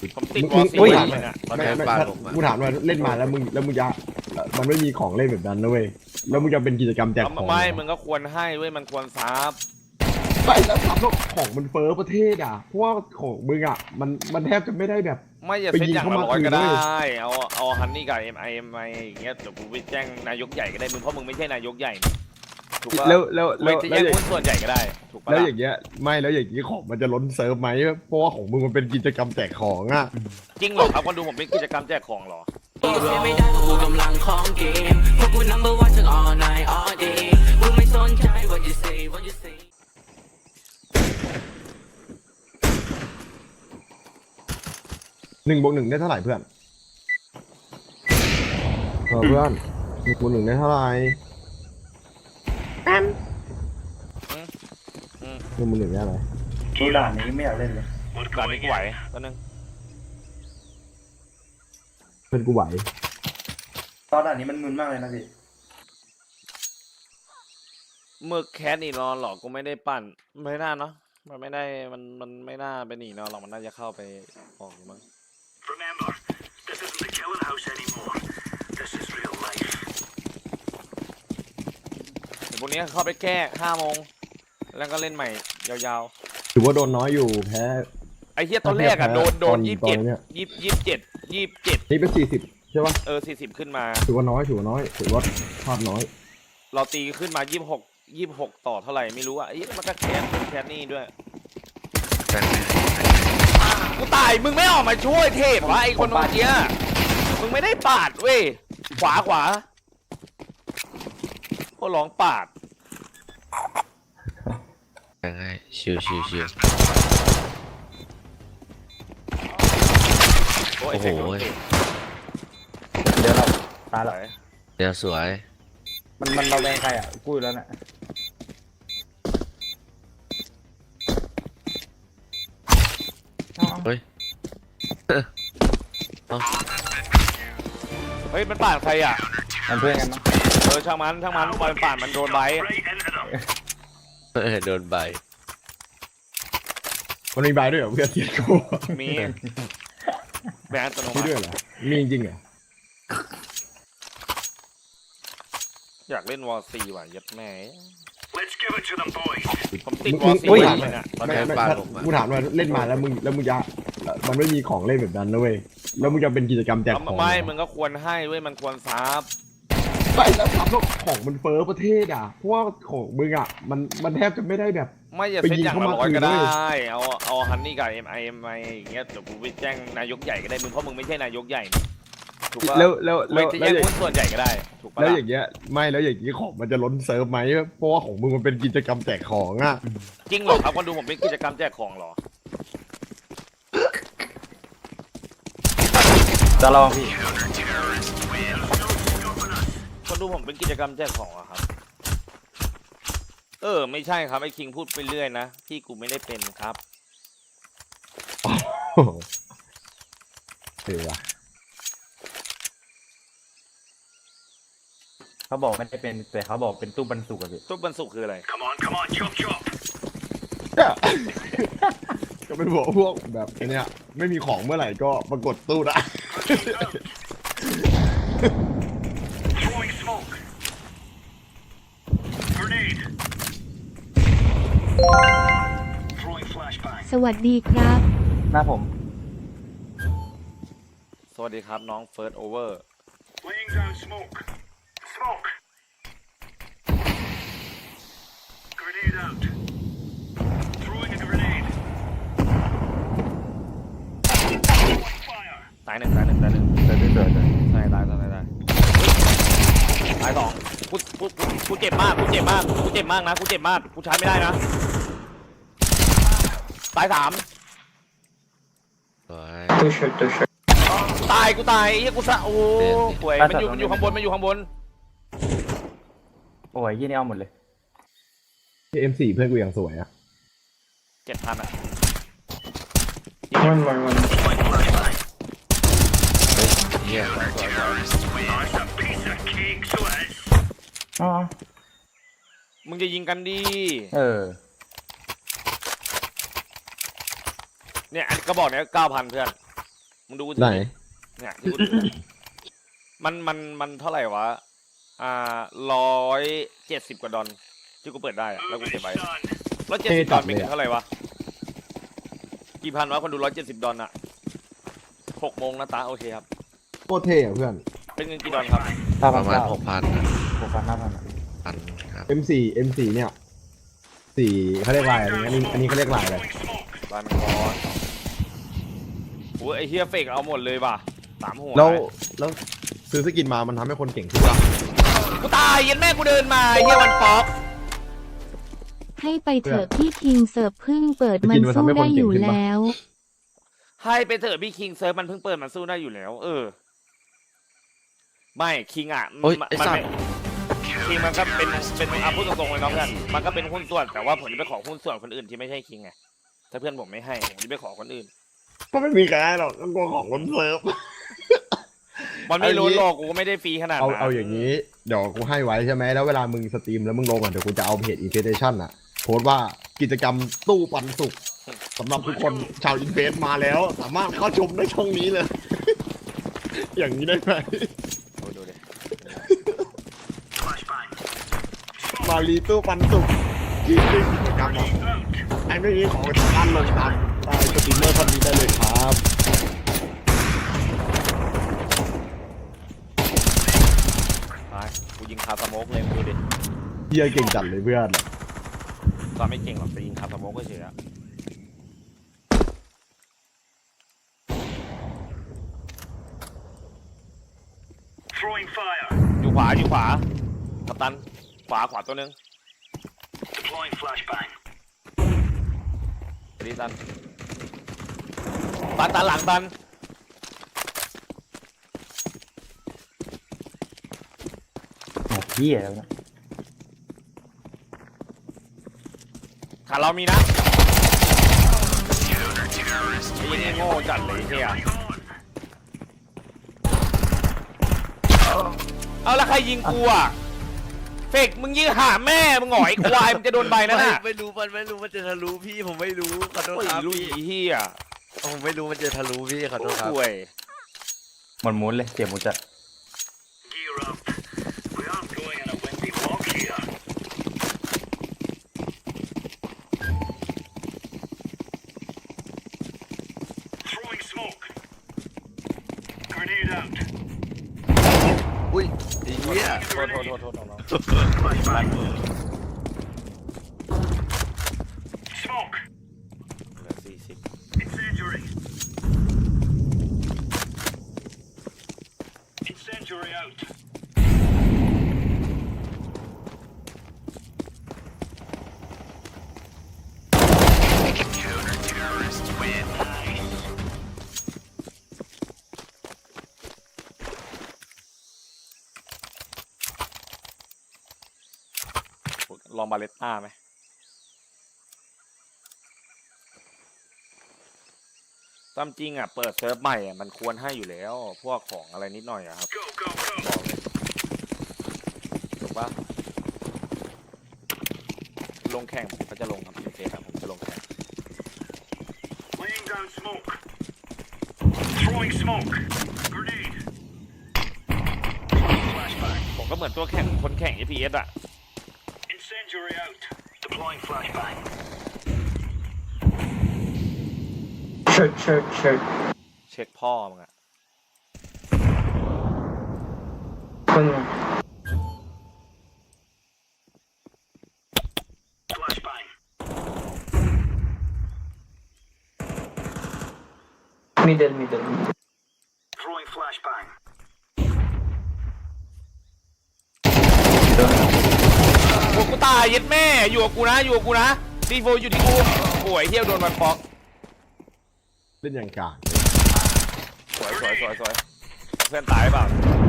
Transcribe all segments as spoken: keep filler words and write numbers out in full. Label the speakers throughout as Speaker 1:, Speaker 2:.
Speaker 1: ผมติด
Speaker 2: มึ
Speaker 1: วอง ลซี
Speaker 2: ถาม
Speaker 1: เล
Speaker 2: เลย ย
Speaker 1: นะ
Speaker 2: ไม่ไม่ถ้ากูถามว่าเล่นมาแล้วมึงแล้วมึงจะมันไม่มีของเล่นแบบนั้นนะเว้ยแล้วมึงจะเป็นกิจกรรมแจกของ
Speaker 1: ไม่มึงก็ควรให้เว้ยมันควรซับ
Speaker 2: ไปแล้วถามว่าของมันเฟ้อประเทศอ่ะเพราะว่าของมึงอ่ะมันมันแทบจะไม่ได้แบบ
Speaker 1: ไม่อย่า
Speaker 2: ไป
Speaker 1: เซ็ต
Speaker 2: ยิง
Speaker 1: อย่าง
Speaker 2: เข้า
Speaker 1: ละ
Speaker 2: มา
Speaker 1: ร้อยก็
Speaker 2: คืนด้
Speaker 1: ได้
Speaker 2: วย
Speaker 1: เอาเอาฮันนี่กับเอ็มไอเอ็มไออย่างเงี้ยเดี๋ยวกูไปแจ้งนายกใหญ่ก็ได้มึงเพราะมึงไม่ใช่นายกใหญ่นี่ถูกปะ
Speaker 2: แล้วแล้ว
Speaker 1: ไม่
Speaker 2: แล้ว
Speaker 1: จะ
Speaker 2: แล้วอย่าง
Speaker 1: แย่งหุ้นส่วนใหญ่ก็ได้ถูกปะ
Speaker 2: แล้ว
Speaker 1: ล่ะ
Speaker 2: อย่างเงี้ยไม่แล้วอย่างงี้ของมันจะล้นเซิร์ฟไหมเพราะว่าของมึงมันเป็นกิจกรรมแจกของอ่ะ
Speaker 1: จริงเหรอครับคนดูผมเป็นกิจกรรมแจกของเหรอ
Speaker 3: ไม่ได้เพราะกูกำลังของเกมเพราะกู number one ทั้ง all night all day มึงไม่สนใจ what you say what you say
Speaker 2: หนึ่งบวกหนึ่งได้เท่าไหร่เพื่อนเออเพื่อนหนึ่งบวกหนึ่งได้เท่าไหร่หนึ่งบวกหนึ่งได้อะไร
Speaker 4: ดูด่านนี้ไม่อยากเล่นเลย
Speaker 1: ด่านนี้กูไหวตอนนึง
Speaker 2: เพื่อนกูไหว
Speaker 4: ตอนด่านนี้มันมึนมากเลยนะพี่
Speaker 1: เมื่อแคสนี่นอนหรอกกูไม่ได้ปั่นไม่น่าเนาะมันไม่ได้มันมันไม่น่าไปหนีนอนหรอกมันน่าจะเข้าไปออกอยู่มั้ง
Speaker 5: Remember, this isn't the killing house anymore. This is real life.
Speaker 1: เดี๋ยวพวกนี้เข้าไปแก้ห้าโมงแล้วก็เล่นใหม่ยาว
Speaker 2: ถือว่าโดนน้อยอยู่แพ้
Speaker 1: ๆไอ้เฮียตอนแรกอะโดนโดน
Speaker 2: ตอน
Speaker 1: ยี่สิบ
Speaker 2: ตอ
Speaker 1: เจ็
Speaker 2: น
Speaker 1: ด
Speaker 2: เนี่ย
Speaker 1: ยี่ยี่สิบเจ็ดยี่สิบเจ็ด
Speaker 2: นี่เป็นสี่สิบใช่ปะ
Speaker 1: เออสี่สิบขึ้นมา
Speaker 2: ถือว่าน้อยถือว่าน้อยถือว่าพลาดน้อย
Speaker 1: เราตีขึ้นมายี่สิบหกยี่สิบหกต่อเท่าไหร่ไม่รู้อะไอ้เหี้ยมันก็แคสแคสนี่ด้วยกูตายมึงไม่ออกมาช่วยเทพวะไอ้คนเมื่อกี้มึงไม่ได้ปาดเว้ยขวาขวาก็ร้องปาด
Speaker 6: ง่ายชิวชิวชิว
Speaker 1: โอ้
Speaker 6: โอ้โห
Speaker 4: เดี๋ยวเราตาย
Speaker 1: ไห
Speaker 4: แล้ว
Speaker 1: ล
Speaker 6: เดี๋ยวสวย
Speaker 4: มันมันเราแบงใครอ่ะกูอยู่แล้วน่ะ
Speaker 6: เฮ้ย
Speaker 1: เฮ้ยมันปาดใครอ่ะ
Speaker 4: มันเพื่อนกันมั้ง
Speaker 1: เออช่างมันช่างมันบอลปาดมันโดนไบ
Speaker 5: Right into them.
Speaker 6: เออโดนใบ
Speaker 2: มันมีใบด้วยเหรอเพื่อนเทียกู
Speaker 1: มีแบนอัตโน
Speaker 2: มี
Speaker 1: มั
Speaker 2: ด้วย
Speaker 1: ติ
Speaker 2: เหรอมีจริงเหรอ
Speaker 1: อยากเล่นวอลซีว่ะยัดแม่
Speaker 5: Let's give it to them, boys.
Speaker 1: ผมติด
Speaker 2: มึ
Speaker 1: วอง ลซี
Speaker 2: มึง
Speaker 1: เล
Speaker 2: ถาม
Speaker 1: ยนะ
Speaker 2: ไม่ไม่ถ้ากูถามว่าเล่นมาแล้วมึงแล้วมึงจะมันไม่มีของเล่นแบบนั้นนะเว้ยแล้วมึงจะเป็นกิจกรรมแจกของ
Speaker 1: ไม่มึงก็ควรให้เว้ยมันควรซับ
Speaker 2: ไปแล้วถามว่าของมันเฟ้อประเทศอ่ะเพราะว่าของมึงอ่ะมันมันแทบจะไม่ได้แบบ
Speaker 1: ไม่อย่า
Speaker 2: ไป
Speaker 1: เซ็ต
Speaker 2: ยิง
Speaker 1: อย่าง
Speaker 2: เข้า
Speaker 1: ละ
Speaker 2: มา
Speaker 1: ร้อยก็
Speaker 2: คืนด้
Speaker 1: ได้
Speaker 2: วย
Speaker 1: เอาเอาฮันนี่กับเอ็มไอเอ็มไออย่างเงี้ยเดี๋ยวกูไปแจ้งนายกใหญ่ก็ได้มึงเพราะมึงไม่ใช่นายกใหญ่นี่ถูกปะ
Speaker 2: แล้วแล้วแล้
Speaker 1: ไม่
Speaker 2: ว
Speaker 1: จะ
Speaker 2: แล้
Speaker 1: แย่
Speaker 2: ว
Speaker 1: ง
Speaker 2: อย่าง
Speaker 1: หุ้นส่วนใหญ่ก็ได้ถูกปะ
Speaker 2: แล้ว
Speaker 1: ล่ะ
Speaker 2: อย่างเงี้ยไม่แล้วอย่างงี้ของมันจะล้นเซิร์ฟไหมเพราะว่าของมึงมันเป็นกิจกรรมแจกของอ่ะ
Speaker 1: จริงเหรอครับคนดูผมเป็นกิจกรรมแจกของเหรอ
Speaker 4: จะลองพี่
Speaker 1: คนดูผมเป็นกิจกรรมแจกของเหรอครับเออไม่ใช่ครับไอ้คิงพูดไปเรื่อยนะพี่กูไม่ได้เป็นครับ
Speaker 2: โอ้โหเออว่ะ
Speaker 4: เขาบอกไม่ได้เป็นแต่เขาบอกเป็นตู้บรรจุอะพี่
Speaker 1: ทุกบรรสุกคืออะไร
Speaker 5: Come on, come on, chop, chop.
Speaker 2: ก็เป็นหัวพวกแบบไอ้เนี้ยไม่มีของเมื่อไหร่ก็ปรากฏตู้ได้
Speaker 5: Throwing smoke. Grenade. Throwing flashbang.
Speaker 7: สวัสดีครับ
Speaker 4: หน้าผม
Speaker 1: สวัสดีครับน้องเฟิร์สโอเวอร์
Speaker 5: Laying down smoke. Smoke. Grenade out. Throwing a grenade. Throwing fire.
Speaker 1: ตายหนึ่งตายหนึ่งตายหนึ่ง
Speaker 4: เดินเดินเดิน
Speaker 1: ตายตายตายตายตายตายสองกูกูกูกูเจ็บมากกูเจ็บมากกูเจ็บมากนะกูเจ็บมากกูใช้ไม่ได้นะตายสาม
Speaker 6: สวย
Speaker 1: ตายกูตายไอ้เหี้ยกูสะโอ้ป่วยมันอยู่มันอยู่ข้างบนมันอยู่ข้างบน
Speaker 4: โอ้ยยี่นี่เอาหมดเลย
Speaker 2: เอ็มสี่เพื่อนกูอย่างสวยอ่ะ
Speaker 1: เจ็ดพันอ่ะ
Speaker 4: มันมันมัน
Speaker 6: เยี่ยม
Speaker 5: That's a piece of cake, so it is.
Speaker 4: อ๋อ
Speaker 1: มึงจะยิงกันดี
Speaker 4: เออ
Speaker 1: เนี่ยอันกระบอกเนี้ยเก้าพันเพื่อนมึงดูกูถื
Speaker 2: ไหน
Speaker 1: อดิเนี่ยที่กูถือเนี่ยมันมันมันเท่าไหร่วะอ่าร้อยเจ็ดสิบกว่าดอลที่กูเปิดได้อะแล้วกู
Speaker 5: Moving
Speaker 1: เก็บ
Speaker 5: it,
Speaker 1: ไว้
Speaker 5: son.
Speaker 1: ร้อยเจ็ดสิบดอลเป็นเงินเท่าไหร่วะกี่พันวะคนดูร้อยเจ็ดสิบดอลอะหกโมงนะตาโอเคครับ
Speaker 2: โคตรเท่อะเพื่อน
Speaker 1: เป็นเงินกี่ดอลครับ
Speaker 4: ห้า
Speaker 6: ป
Speaker 4: พัน
Speaker 6: ระมาณ
Speaker 4: เก้า
Speaker 6: หกพัน
Speaker 4: หกพันห้าพัน
Speaker 6: พันครับ
Speaker 2: เอ็ม โฟร์ เอ็ม โฟร์ เนี่ยสี่เขาเรียกลายอะไรอันนี้อันนี้เขาเรียกลายอะไร
Speaker 5: Throwing smoke.
Speaker 1: บานคอนโอ้ยไอเฮียเฟกเอาหมดเลยว่ะสามหัว
Speaker 2: แล้วแล้วซื้อสกินมามันทำให้คนเก่งขึ้นปะ
Speaker 1: กูตายยันแม่กูเดินมาไอ้เฮียวันป๊อก
Speaker 7: ให้ไปเถอะพี่คิงเสิร์ฟเพึ่งเปิดมันสู้ได้อยู่แล้ว
Speaker 1: ให้ไปเถอะพี่คิงเซิร์ฟมันเพิ่งเปิดมันสู้ได้อยู่แล้ว เออ ไม่คิงอ่ะ
Speaker 6: โอ้ย
Speaker 1: มัน
Speaker 6: ไอ้
Speaker 1: มัน
Speaker 6: สัต
Speaker 1: ไม่
Speaker 6: ว์
Speaker 1: คิงมันก็เป็นเป็นอ่ะพูดตรงๆเลยน้องเพื่อนมันก็เป็นหุ้นส่วนแต่ว่าผมจะไปขอหุ้นส่วนคนอื่นที่ไม่ใช่คิงไงถ้าเพื่อนผมไม่ให้ผมจะไปขอคนอื่น
Speaker 2: ก็ไม่มีใครให้หรอกก็กลัวของคนเซิร์ฟ
Speaker 1: มันไม่รู้
Speaker 2: เอางี้
Speaker 1: หรอกกูก็ไม่ได้ฟรีขนาด
Speaker 2: เอา
Speaker 1: นั้น
Speaker 2: เอาอย่างนี้เดี๋ยวกูให้ไว้ใช่ไหมแล้วเวลามึงสตรีมแล้วมึงลงอ่ะเดี๋ยวกูจะเอาเพจ Invitation อ่ะโพสต์ว่ากิจกรรมตู้ปันสุกสำหรับทุกคนชาวอินเฟสมาแล้ว สามารถเข้าชมได้ช่องนี้เลย อย่างนี้ได้ไหม
Speaker 1: โอ้ยดูดิ
Speaker 5: Flashbang.
Speaker 2: มารีตู้ปันสุกที่เป็นกิจกรรมอ่ะ
Speaker 5: Out.
Speaker 2: ไอ้ไม่มีของสามารถลงตามตามสตรีมเมอร์คนนี้ได้เลยครับ
Speaker 1: ไปกูยิงคาสโมกเลยมึงดูดิ
Speaker 2: เฮียเก่งจัดเลยเพื่อน
Speaker 1: ตอนไม่เก่งหรอกแต่ยิงคาสโมกก็เฉยอะ
Speaker 5: Throwing fire.
Speaker 1: อยู่ขวาอยู่ขวากัปตันขวาขวาตัวหนึง
Speaker 5: Deploying flashbang.
Speaker 1: ดีตันตันตันหลังตัน
Speaker 4: โอ้เหี้ยแล้วนะ
Speaker 1: ขาเรามีนะไอ้ยี่นี่โง่จัดเลยเฮีย เอาแล้วใครยิงกูอ่ะเฟกมึงยิงหาแม่มึงหงอยควายมึงจะโดนใบนั่นน่ะ
Speaker 6: ไม่ไม่รู้มันไม่รู้มันจะทะลุพี่ผมไม่รู้ขอโทษ
Speaker 1: โอ้ย
Speaker 6: ครับ
Speaker 1: ลุย
Speaker 6: พี่
Speaker 1: เฮีย
Speaker 6: ผมไม่รู้มันจะทะลุพี่ขอโทษครับ
Speaker 1: ป่วย
Speaker 4: หมดหมุนเลยเจ็บหมุนจัด
Speaker 5: Gear up. We aren't going in a windy walk here. Throwing smoke. Grenade out.
Speaker 6: อุ้ยไอ้เหี้ย
Speaker 1: โทษโทษโทษโทษน้อง
Speaker 5: Flashbang. Smoke.
Speaker 1: ๆเหลือสี่สิบ
Speaker 5: Incendiary. Incendiary out.
Speaker 1: ลองบาเลตต้าไหมตามจริงอ่ะเปิดเซิร์ฟใหม่อ่ะมันควรให้อยู่แล้ว พวกของอะไรนิดหน่อยอะครับ
Speaker 5: Go, go,
Speaker 1: บ
Speaker 5: go.
Speaker 1: อกเลยถูกปะลงแข่งผมก็จะลงครับโอเคครับผมจะลงแข่ง
Speaker 5: Laying down smoke. Throwing smoke. Grenade. Flashbang.
Speaker 1: ผมก็เหมือนตัวแข่งคนแข่ง เอ พี เอส อ่ะ
Speaker 5: Incendiary out. Deploying flashbang.
Speaker 4: เช็คเช็คเช็ค
Speaker 1: เช็คพ่อมึงอ่ะ
Speaker 4: คน
Speaker 5: Flashbang.
Speaker 4: middle middle
Speaker 5: Throwing flashbang.
Speaker 1: โอ้กูตายเย็ดแม่อยู่กับกูนะอยู่กับกูนะดีโฟอยู่ที่กูโอ้ยเที่ยวโดนมันป๊อก
Speaker 2: เล่นอย่างกลาง
Speaker 1: สวยสวยสวยสวยเพื่อนตายเปล่า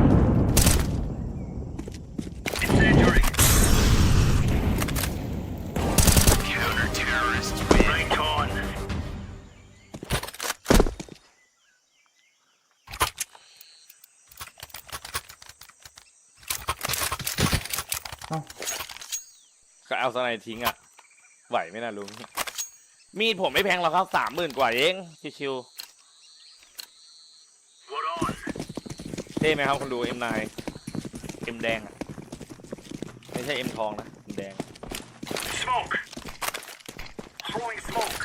Speaker 5: Incendiary. Counter terrorist. Right on.
Speaker 1: ก็เอาสไนทิ้งอ่ะไหวไหมนะลุงมีดผมไม่แพงหรอกครับสามหมื่นกว่าเองชิวท่ไหมครับคนดู เอ็ม ไนน์ เอ็ม แดงอะไม่ใช่ M ทองนะ M แดง
Speaker 5: Smoke. Throwing smoke.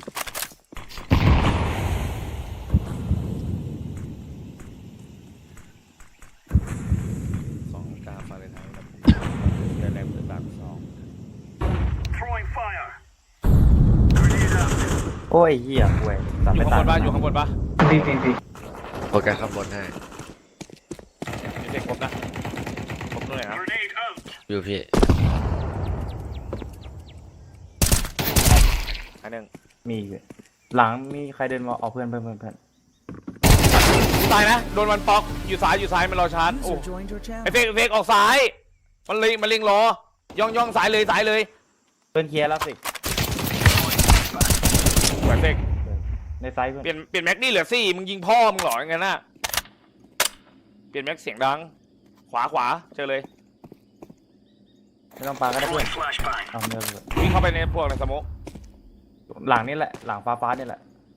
Speaker 1: สองกาฟาเรนไฮต์ครับเดือนแรกเปิดปากสอง
Speaker 5: Throwing fire. Grenade out.
Speaker 4: โอ้ยเหี้ยห่วยตัด
Speaker 1: อยู่
Speaker 4: ไม่
Speaker 1: ข้าง
Speaker 4: ตา
Speaker 1: บ
Speaker 4: ย
Speaker 1: นปะอยู่ข้างบนปะ
Speaker 4: บีบีบี
Speaker 6: โปรแกรมข้างบนให้
Speaker 1: มีเด็กครบนะครบตรงไหนนะ
Speaker 5: Grenade out.
Speaker 6: อยู่พี่
Speaker 1: อันหนึ่ง
Speaker 4: มีอยู่หลังมีใครเดินมาเอาเพื่อนเพื่อนเพื่อนเพื่อน
Speaker 1: ตายนะโดนมันป๊อกอยู่ซ้ายอยู่ซ้ายมันรอชาร์จโอ้ไอเฟกไอเฟกออกซ้ายมันเลยมันเล็งรอย่องย่องซ้ายเลยซ้ายเลย
Speaker 4: เพื่อนเคลียร์แล้วสิ
Speaker 1: ไอเฟก
Speaker 4: ในไซส์เพื่อน
Speaker 1: เปลี่ยนเปลี่ยนแม็กนี่เหลือสี่มึงยิงพ่อมึงเหรออย่างนั้นน่ะเปลี่ยนแม็กเสียงดังขวาขวาเจอเลย
Speaker 4: ไม่ต้องปาก็ได้เพื่อน
Speaker 5: Throwing flashbang.
Speaker 4: เอาเนื้อเลย
Speaker 1: วิ่งเข้าไปในพวกในสโมก
Speaker 4: หลังนี่แหละหลังฟ้าฟ้านี่แหละ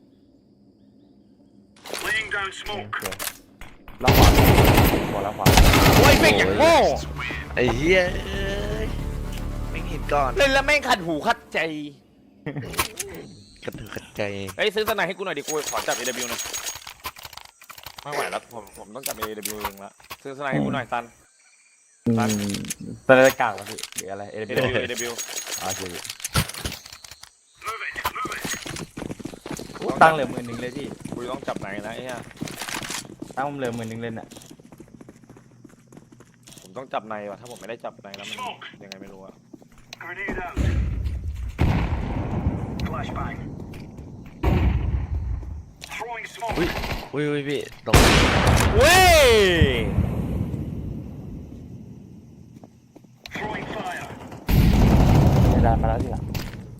Speaker 5: Laying down
Speaker 4: โอ
Speaker 5: smoke.
Speaker 4: เคแล้วขวาขวาแล้วขวา
Speaker 1: โอ้ยเฟกอย่างโง่
Speaker 6: ไอ้เหี้ยเอ้ยไม่เห็นก่อน
Speaker 1: เล่นแล้วแม่งขัดหูขัดใจ
Speaker 6: กระตือรือใจ
Speaker 1: เอ้ยซื้อสไนให้กูหน่อยดิกูขอจับ เอ ดับเบิลยู หน่อยไม่ไหวแล้วผมผมต้องจับ เอ ดับเบิลยู เองละซื้อสไนให้กูหน่อยตัน
Speaker 4: อืมตะเลกากวะพี่หรืออะไรเอ
Speaker 1: เอ
Speaker 4: เด
Speaker 1: ดับ
Speaker 4: บิ
Speaker 1: เบิล
Speaker 4: ว
Speaker 1: ยู เอ ดับเบิลยู
Speaker 4: อ๋อเฉย
Speaker 5: Move it. Move it.
Speaker 4: ตั้งเหลือหมื่นหนึ่งเลยพี่
Speaker 1: กูต้องจับไหนนะไอ้เหี้ย
Speaker 4: ตั้งผมเหลือหมื่นหนึ่งเลยน่ะ
Speaker 1: ผมต้องจับในว่ะถ้าผมไม่ได้จับในแล้วมันยังไงไม่รู้อะ
Speaker 5: Grenade out. Flashbang. Throwing smoke.
Speaker 6: อุ้ยอุ้ยอุ้ยพี่ตรง
Speaker 1: เว้ย
Speaker 5: Throwing fire.
Speaker 4: เวลามาแล้วทีหลัง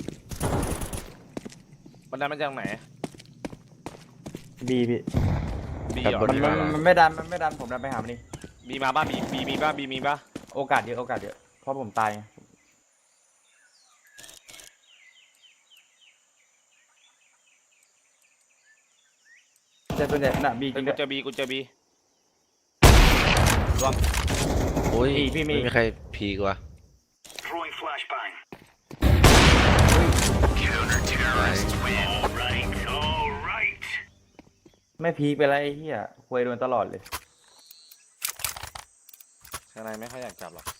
Speaker 1: มันได้มาจากไหน
Speaker 4: บีพี่
Speaker 1: บีเหรอ
Speaker 4: มัน
Speaker 1: บี
Speaker 4: มัน
Speaker 1: มา
Speaker 4: มันไม่ดันมันไม่ดันผมดันไปหามันนี่
Speaker 1: บีมาบ้าบีบีมีบ้าบีมีบ้า
Speaker 4: โอกาสเยอะโอกาสเยอะเพราะผมตายไงแต่ส่วนใหญ่น่ะบีจ
Speaker 1: เฮ้
Speaker 4: ริ
Speaker 1: ย
Speaker 4: ง
Speaker 1: กู
Speaker 4: ด้วย
Speaker 1: เจอบีกูเจอบีรวม
Speaker 6: อุ้ย
Speaker 4: พี่พี่มี
Speaker 6: ไม่มีใครพีกว่า
Speaker 5: Throwing flashbang.
Speaker 6: ไป
Speaker 5: All right. All right.
Speaker 4: ไม่พีคไปแล้วไอ้เหี้ยควยโดนตลอดเลย
Speaker 1: สไนไม่ค่อยอยากจับหรอก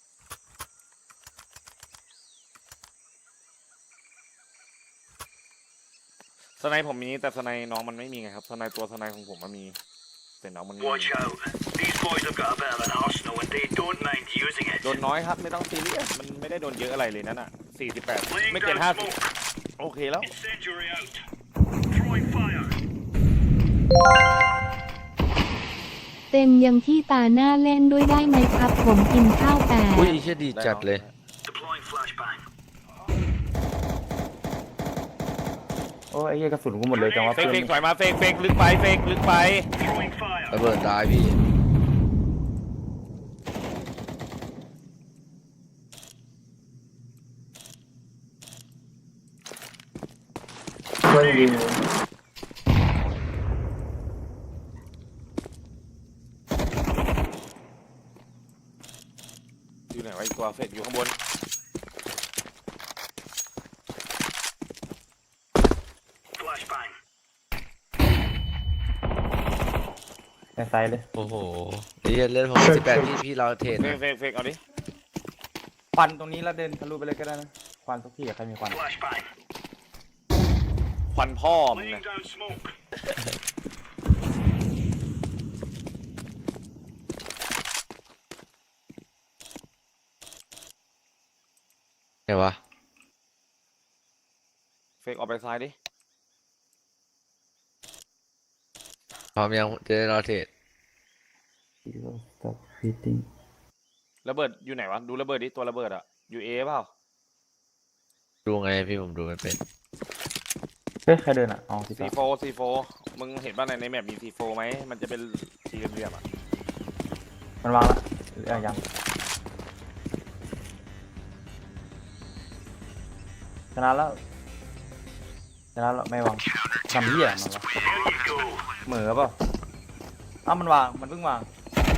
Speaker 1: สไนผมมีแต่สไนน้องมันไม่มีไงครับสไนตัวสไนของผมมันมีแต่น้องมันไม่มี
Speaker 5: Watch out. These boys have got a bit of an arsenal and they don't mind using it.
Speaker 1: โดนน้อยครับไม่ต้องซีเรียสมันไม่ได้โดนเยอะอะไรเลยนั่นอ่ะสี่สิบแปด
Speaker 5: Laying
Speaker 1: ไม่เกิน
Speaker 5: down
Speaker 1: ห้าสิบ
Speaker 5: smoke.
Speaker 1: โอเคแล้ว
Speaker 5: Incendiary out. Throwing fire.
Speaker 7: เต็มยังที่ตาหน้าเล่นด้วยได้ไหมครับ ผมกินข้าวแปด
Speaker 6: อุ้ยเชี่ยดีจัดเลย
Speaker 5: Deploying flashbang.
Speaker 4: โอ้ยไอ้เหี้ยกระสุนกูหมดเลยจังวะ
Speaker 1: เฟ
Speaker 4: เพื่
Speaker 1: ก
Speaker 4: อน
Speaker 1: เฟกถอยมาเฟกเฟกลึกไปเฟกลึกไป
Speaker 5: Throwing fire.
Speaker 6: ระเบิดตายพี่
Speaker 4: เพื่อนยิง
Speaker 1: อยู่ไหนวะอีกตัวเฟกอยู่ข้างบน
Speaker 5: Flashbang.
Speaker 4: ในไซส์เลย
Speaker 6: โอ้โหไอ้เหี้ยเล่นผมสิบแปดพี่พี่เราเทรด
Speaker 1: เฟ
Speaker 6: นะ
Speaker 1: กเฟกเฟกเอาดิ
Speaker 4: ควันตรงนี้แล้วเดินทะลุไปเลยก็ได้นะควันสักที่อะใครมีควัน
Speaker 5: Flashbang.
Speaker 1: ควันพ่อมึง
Speaker 5: Laying
Speaker 1: นะ
Speaker 5: down smoke.
Speaker 6: ไงวะ
Speaker 1: เฟกออกไปซ้ายดิ
Speaker 6: พร้อมยังจะได้เราเทรด
Speaker 4: Stop hitting
Speaker 1: ระเบิดอยู่ไหนวะดูระเบิดดิตัวระเบิดอะอยู่เอเปล่า
Speaker 6: ดูไงพี่ผมดูไม่เป็น
Speaker 4: เฮ้ยใครเดินอ่ะอ๋อสิบ
Speaker 1: ซีโฟซีโฟมึงเห็นว่าในในแมปมีซีโฟไหมมันจะเป็นสี่เหลี่ยมๆอะ
Speaker 4: มันวางละหรือยังชนะแล้วชนะแล้วไม่วางทำเหี้ยมันวะ
Speaker 5: Here you go.
Speaker 4: เหมือเปล่าอ้าวมันวางมันเพิ่งวาง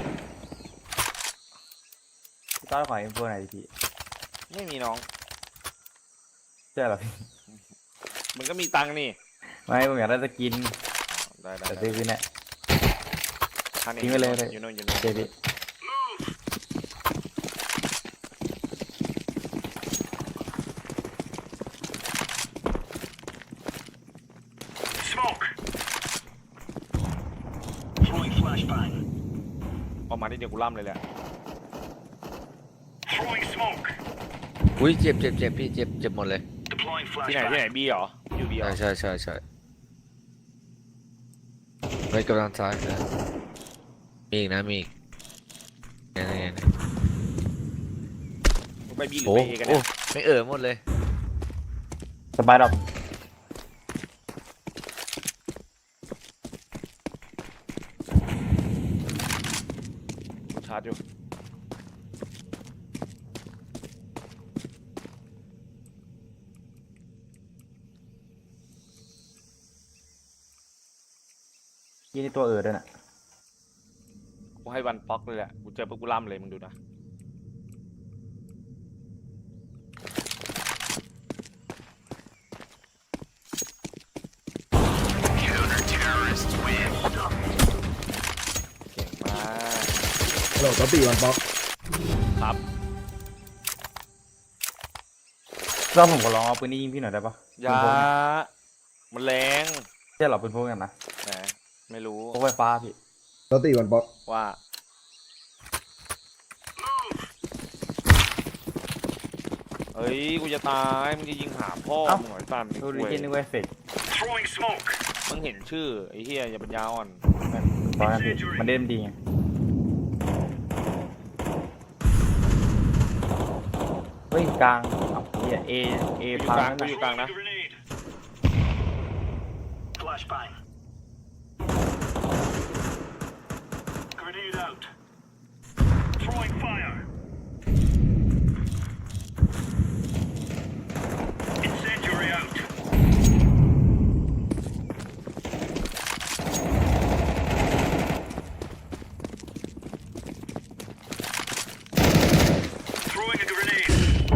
Speaker 4: พี่ต้อยขอเอ็มโฟไหนอยดิพี่
Speaker 1: ไม่มีน้อง
Speaker 4: ใช่เหรอพี่
Speaker 1: มันก็มีตังค์นี่
Speaker 4: ไม่ผมอยากได้สกิน
Speaker 1: ได้ได้
Speaker 4: แต่ซื้อคืนเนี่ย
Speaker 1: ท่านนี้
Speaker 4: ทิ้งไปเลยเลย
Speaker 1: อยู่โน่นอยู่
Speaker 4: โอ
Speaker 1: โน่น
Speaker 4: เคพี่
Speaker 5: Smoke. Throwing flashbang.
Speaker 1: ออกมาที่เดียวกูล่ำเลยแหละ
Speaker 5: Throwing smoke.
Speaker 6: อุ้ยเจ็บเจ็บเจ็บพี่เจ็บเจ็บหมดเลย
Speaker 5: Deploying
Speaker 1: ที่ไหนที่ไหน
Speaker 5: flashbang.
Speaker 1: บีเหรออยู่บีเหรอ
Speaker 6: ใช่ใช่ใช่ใช่ไปกำลังซ้ายนะมีอีกนะมีอีกเนี่ยเนี่ยเนี่ย
Speaker 1: ไปบีหรือ
Speaker 6: โอ้
Speaker 1: ไปเอกัน
Speaker 6: โอ้
Speaker 1: เนี่ย
Speaker 6: ไม่เอ่อหมดเลย
Speaker 4: สบายดับ
Speaker 1: ชาร์จอยู่
Speaker 4: ยี่นี่ตัวเออด้วยน่ะ
Speaker 1: กูให้วันป๊อกเลยแหละกูเจอปุ๊บกูล่ำเลยมึงดูนะ
Speaker 5: Counter-terrorists win.
Speaker 1: เก่งมาก
Speaker 2: โหลดตีวันป๊อก
Speaker 1: ครับ
Speaker 4: เราผมก็ลองเอาปืนนี้ยิงพี่หน่อยได้ปะ
Speaker 1: ยามันแรง
Speaker 4: ใช่เหรอปืนพวกนั้นนะ
Speaker 1: แหมไม่รู้
Speaker 4: พวกไฟฟ้าพี่
Speaker 2: โหลดตีวันป๊อก
Speaker 1: ว่า เฮ้ย กูจะตาย มึงจะยิงหาพ่อมึงหน่อยตัน
Speaker 4: ดูดิ
Speaker 1: เว้ย
Speaker 4: จินนึกว่าเฟก
Speaker 5: Throwing smoke.
Speaker 1: มึงเห็นชื่อ ไอ้เฮียอย่าปัญญาอ่อน
Speaker 4: ตอนนั้นพี่มันเด่นดีไงเฮ้ยกลางเอาเฮียเอเอ
Speaker 1: อยู่
Speaker 4: พั
Speaker 1: กลาง
Speaker 4: ง
Speaker 1: กูอยู่กลางนะ
Speaker 5: Grenade. Flashbang. Grenade out. Throwing fire. Incendiary out. Throwing a grenade.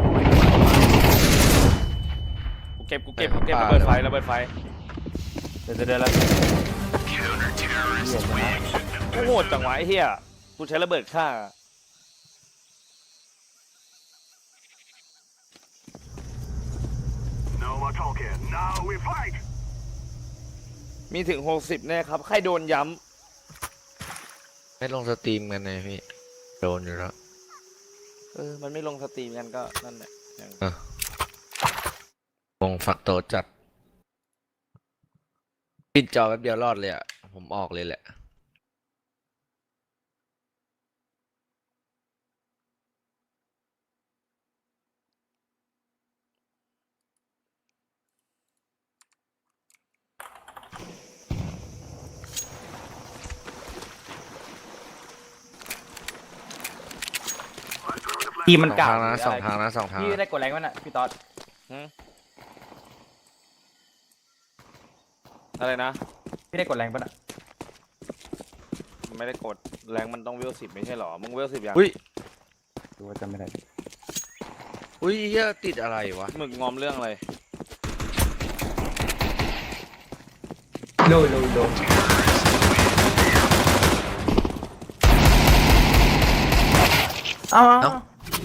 Speaker 1: กูเก็บ กูเก็บ กูเก็บระเบิดไฟระเบิดไฟ
Speaker 4: เดี๋ยวเดี๋ยวเดี๋ยวแล้ว
Speaker 5: Counter-terrorists win.
Speaker 1: โอ้โหดจังหวะไอ้เฮียกูใช้ระเบิดฆ่า
Speaker 5: No more talking. Now we fight.
Speaker 1: มีถึงหกสิบแน่ครับ ใครโดนย้
Speaker 6: ไม่ลงสตรีมกันเลยพี่โดนอยู่แล้ว
Speaker 1: ำเออ มันไม่ลงสตรีมกันก็นั่นแหละอย่าง
Speaker 6: เออวงฝักโตจัดปิดจอแป๊บเดียวรอดเลยอ่ะผมออกเลยแหละ
Speaker 4: ทีมมัน
Speaker 6: สอง
Speaker 4: เก่า
Speaker 6: ทางนะ
Speaker 4: หรือ
Speaker 6: สอง
Speaker 4: อะไร
Speaker 6: ทางนะสองทาง
Speaker 4: พี่
Speaker 6: นะ
Speaker 4: ได้กดแรงมันอ่ะพี่ต๊อด
Speaker 1: หึอะไรนะ
Speaker 4: พี่ได้กดแรงมันอ่ะ
Speaker 1: ไม่ได้กด แรงมันต้องเวลสิบไม่ใช่หรอ มึงเวลสิบยัง
Speaker 6: อุ้ย
Speaker 4: ดูว่าจำไม่ได้
Speaker 6: อุ้ยเหี้ยติดอะไรวะ
Speaker 1: มึงงอมเรื่องอะไร
Speaker 4: โลโลโลเอา
Speaker 6: เอ้า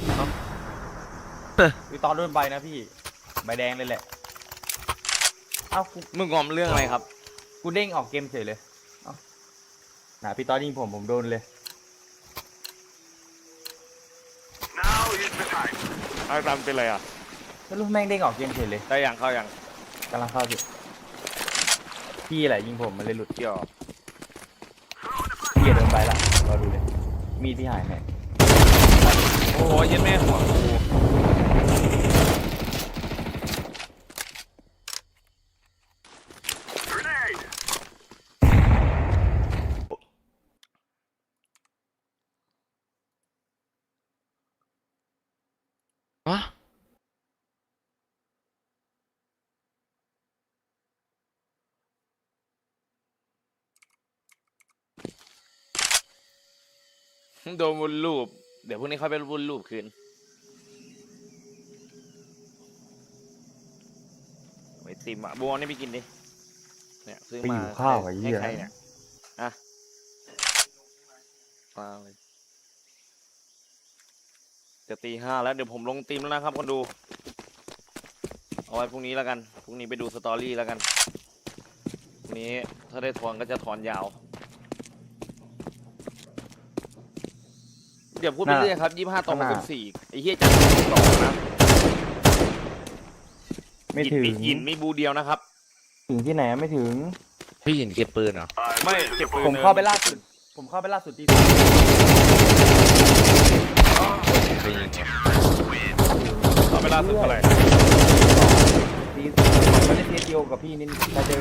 Speaker 4: พี่ต๊อดโดนใบนะพี่ใบแดงเลยแหละเอ้ากู
Speaker 1: มึงงอมเรื่องอะไรครับ
Speaker 4: กูเด้งออกเกมเฉยเลยเอ้าน่ะพี่ต๊อดยิงผมผมโดนเลย
Speaker 5: Now is the time.
Speaker 1: เอาตามเป็นไรอ่ะ
Speaker 4: ไม่รู้แม่งเด้งออกเกมเฉยเลย
Speaker 1: ได้ยังเข้ายัง
Speaker 4: กำลังเข้าพี่พี่แหละยิงผมมันเลยหลุด
Speaker 1: เกี่ยว
Speaker 4: พี่โดนใบละรอดูเลยมีดพี่หายไหน
Speaker 1: โอ้โหเย็นแม่หัวกู
Speaker 5: Grenade.
Speaker 6: วะ
Speaker 1: โดนวนรูป เดี๋ยวพรุ่งนี้เขาไปวนรูปคืนไอติมอ่ะบัวนี่ไปกินดิเนี่ยซื้อ
Speaker 4: ไป
Speaker 1: มา
Speaker 4: อยู่ข้าวไอ้เหี้ย
Speaker 1: ให้ใครเนี่ยอ่ะมาเลยจะตีห้าแล้วเดี๋ยวผมลงตีมแล้วนะครับคนดู เอาไว้พรุ่งนี้แล้วกันพรุ่งนี้ไปดูสตอรี่แล้วกันพรุ่งนี้ถ้าได้ถอนก็จะถอนยาวเดี๋ยวพูดไปเรื่อยครับยี่ห้าต่อหกสิบสี่ไอ้เหี้ยจะสองนะ
Speaker 4: ไม่ถึง
Speaker 1: มีอินมีบูเดียวนะครับ
Speaker 4: ถึงที่ไหนไม่ถึง
Speaker 6: พี่หยินเก็บปืนเหรอ
Speaker 1: ไม่เก็บปืน
Speaker 4: ผมเข้าไปล่าสุด ผมเข้าไปล่าสุดที่
Speaker 6: ไปยิงเหรอ
Speaker 1: เอาเวลาสุดเท่าไหร่
Speaker 4: ตีผมไม่ได้เทสเดียวกับพี่นี่มาเจอ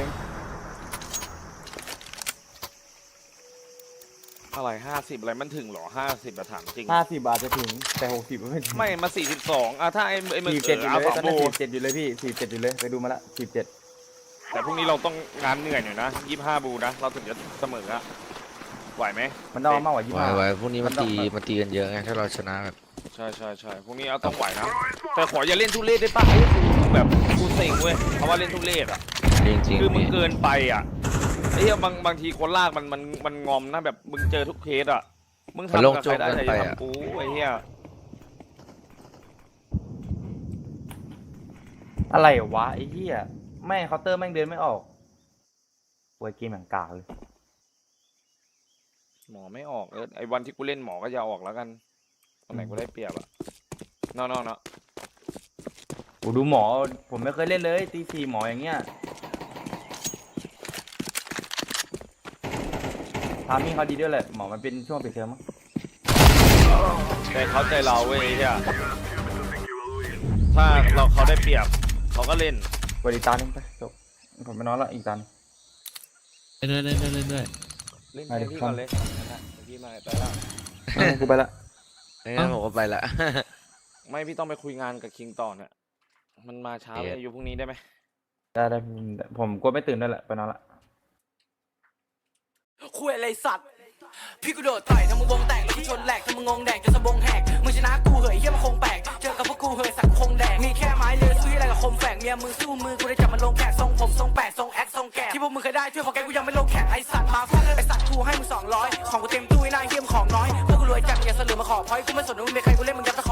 Speaker 1: อะไรห้าสิบอะไรมันถึงเหรอห้าสิบอะถามจริง
Speaker 4: ห้าสิบบาทจะถึงแต่หกสิบไม่ถึง
Speaker 1: ไม่มาสี่สิบสองอะถ้าไอ้ไอ้มึง
Speaker 4: สี่
Speaker 1: เอ
Speaker 4: เจ็ด
Speaker 1: อ
Speaker 4: อยู่
Speaker 1: เอา
Speaker 4: เลย
Speaker 1: สอง
Speaker 4: ตอน
Speaker 1: โบ
Speaker 4: นั้นสี่เจ็ดอยู่เลยพี่สี่เจ็ดอยู่เลยไปดูมาละสี่เจ็ด
Speaker 1: แต่พรุ่งนี้เราต้องงานเหนื่อยหน่อยนะยี่ห้าบูนะเราถึงจะเสมออะไหวไหม
Speaker 4: มันต้องเอามากกว่ายี่
Speaker 6: ไว้
Speaker 4: ห้า
Speaker 6: ไว้พรุ่งนี้มัน
Speaker 4: มันต้อง
Speaker 6: ตีมันตีกันเยอะไงถ้าเราชนะแบบ
Speaker 1: ใช่ใช่ใช่พรุ่งนี้เอาต้องไหวนะ แต่ขออย่าเล่นทุเรศได้ป่ะไอ้กูแบบกูเซ็งเว้ยเพราะว่าเล่นทุเรศอะ
Speaker 6: จริง
Speaker 1: คือ
Speaker 6: ๆ
Speaker 1: มึง
Speaker 6: พี่
Speaker 1: เกินไปอะไอ้เหี้ยบางบางทีคนลากมันมันมันงอมนะแบบมึงเจอทุกเคสอะมึงทำกับใครได้แต่อย่าทำกูไอ้เหี้ย
Speaker 4: อะไรวะไอ้เหี้ยแม่งเคาน์เตอร์แม่งเดินไม่ออกโวยเกมอย่างกากเลย
Speaker 1: หมอไม่ออกเออไอ้วันที่กูเล่นหมอก็จะออกแล้วกันตอนไหนกูได้เปรียบอะนอกนอกเนาะ
Speaker 4: โอ้ดูหมอผมไม่เคยเล่นเลยตีสี่หมออย่างเงี้ยทามิ่งเขาดีด้วยแหละหมอมันเป็นช่วงปิดเทอมมั้ง
Speaker 1: แต่เขาใจเราเว้ยไอ้เหี้ยถ้าเราเขาได้เปรียบเขาก็เล่น
Speaker 4: กดอีกตาหนึงไปจบผมไม่นอนละอีกตาหนึง
Speaker 6: เล่นด้วยเล่นด้วยเล่นด้วย
Speaker 1: เล่น
Speaker 4: มาดิ
Speaker 1: ให้พี่
Speaker 4: ครับ
Speaker 1: ก่อนเลยนะพี่มาไปแล้ว
Speaker 4: เออกูไปละ
Speaker 6: งั้นผมก็ไปละ
Speaker 1: ไม่พี่ต้องไปคุยงานกับคิงต่อเนี่ยมันมาเช้าเลยอยู่พรุ่งนี้ได้ไหม
Speaker 4: ได้ได้ผมกลัวไม่ตื่นด้วยแหละไปนอนละ
Speaker 3: คุยอะไรสัตว์ พี่กูโดดต่อยทำมึงวงแตกแล้วกูชนแหลกทำมึงงงแดกจนสะบงแหกมึงชนะกูเหยเฮียมันคงแปลกเจอกับพวกกูเหยสักคงแดกมีแค่ไม้เลือซื้ออะไรกับคมแฝกเมียมึงสู้มือกูได้จับมันลงแขกทรงผมทรงแปดทรงแอคทรงแกะที่พวกมึงเคยได้ช่วยพอแกกูยังไม่ลงแขกไอสัตว์มาฟาดไอสัตว์กูให้มึงสองร้อยของกูเต็มตู้ไอ้นายเฮียมของน้อยพวกกูรวยจัดอย่าเสลือมาขอพอยกูไม่สนว่ามึงเป็นใครกูเล่นมึงยัดตะ